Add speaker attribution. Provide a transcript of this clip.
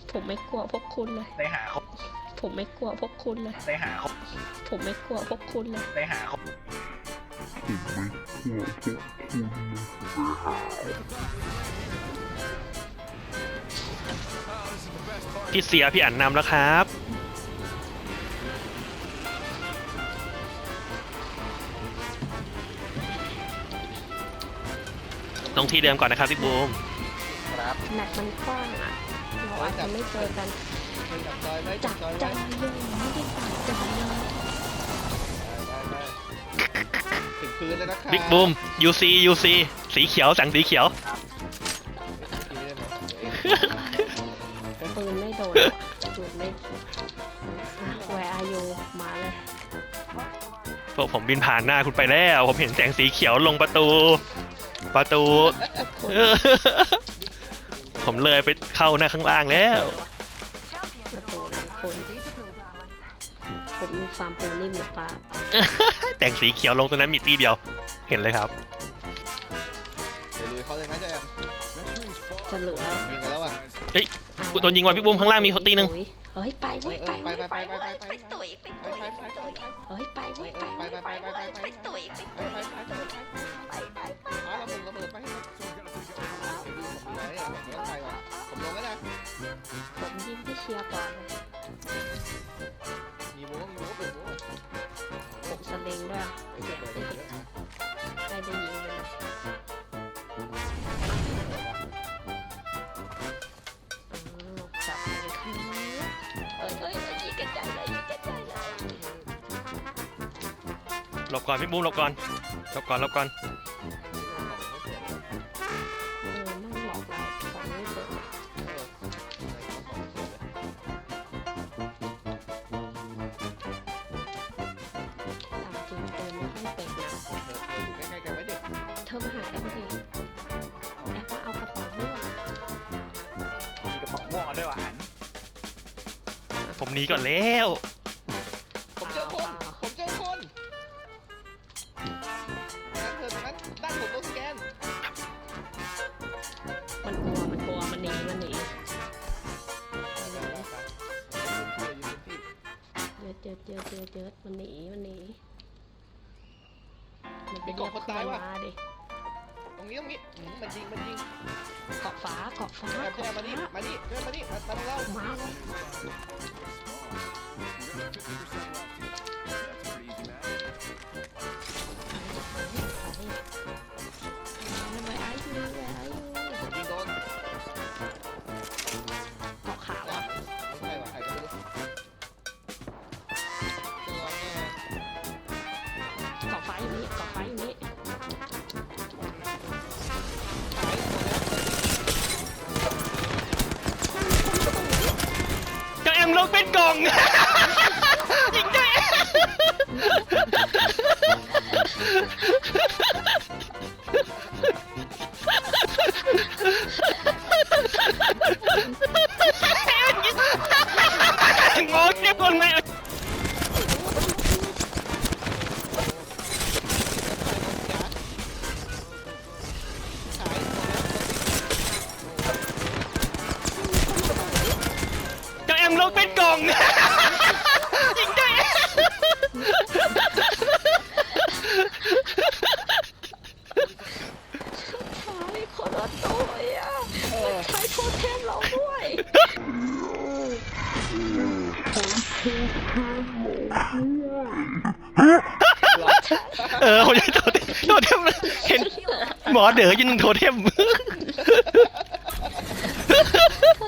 Speaker 1: ผมไม่กลัวพวกคุณเลย
Speaker 2: ไปหาเขา
Speaker 1: ผมไม่กลัวพวกคุณเลย
Speaker 2: ไปหาเขา
Speaker 1: ผมไม่กลัวพวกคุณเลย
Speaker 2: ไปหาเขา
Speaker 3: พี่เสียพี่อั๋นนำแล้วครับลงที่เดิมก่อนนะครับพี่บูม
Speaker 2: ครับ
Speaker 1: แมตช์มันกว้างอ่ะเราอาจจะไม่เจอกัน
Speaker 2: จับจอยไว้
Speaker 1: จับจอยเลยไม่ได้จับจอยเลย
Speaker 2: ถึงพื้นแล้วนะครับ
Speaker 3: บิ๊กบูม UC สีเขียวสั่งสีเขียว
Speaker 1: ปืนไม่โดนปืนไม่แวร์อายุมาเลย
Speaker 3: พวกผมบินผ่านหน้าคุณไปแล้วผมเห็นแสงสีเขียวลงประตูผมเลยไปเข้าหน้าข้างล่างแล้ว
Speaker 1: ประตูหลังคนผมมีฟาร์มปูนิ่มหรือเปล่า
Speaker 3: แต่งสีเขียวลงตรงนั้นมีตีเดียวเห็นเลยครับ
Speaker 2: เขาเลยนะ
Speaker 1: จะเหลือ
Speaker 2: ยิงกันแล้วอ่ะ
Speaker 3: เฮ้ยโดนยิงว่ะพี่บูมข้างล่างมีคนตีนึง
Speaker 1: เฮ้ยไปตุ๋ยไปตุ๋ย
Speaker 2: ไป
Speaker 1: เฮ้ยไปตุ๋ย
Speaker 2: ระเบิดไผมลงแล้วนะ
Speaker 1: ผมยิงที่เชียร์ก่อน
Speaker 2: มีโม้เปิดโม้
Speaker 1: ผมสลิงด้วยเสียงได้ยินใครได้ยิงเลยจับเลยค่ะยิงกันใจเลย
Speaker 3: หลบก่อนพี่บูมหลบก่อน
Speaker 1: นั่งหลอกเราฟังไม่เปิดจริงเติมไม่ค่อยเป็นนะเธอมาหาแอมดิแอมมาเอากระเป๋าด้วย
Speaker 2: มีกระเป๋าม่วงด้วยว่ะ
Speaker 3: ผมหนีก่อนแล้ว
Speaker 2: ผมเจอคนด้านผมโดนสแกน
Speaker 1: มันกลัวมันหนีเจอมันหนีมัน
Speaker 2: ไปเกาะคนตายว่ะ
Speaker 1: ดิ
Speaker 2: ตรงนี้มันยิง
Speaker 1: เกาะฟ้า
Speaker 2: มาดิมาตรงเรา
Speaker 1: มาเลย
Speaker 2: ยิงโดน
Speaker 1: เกาะขาวอ่ะ
Speaker 2: ใช่ว่ะใครก็ไม่รู้
Speaker 1: เกาะฟ้าอยู่นี่
Speaker 3: เจ้าแอมลงเป็นกล่องยิงเจ้าแอมงงเจ็บคนไหมเจ้าแอมลงเป็นกล่องยิงเจ้าแอม
Speaker 1: คนละตัวอ่ะใช้โทษแทนเราด้วย
Speaker 3: ผมจะโทษเทมเห็นหมอเด๋อยิงโทเทม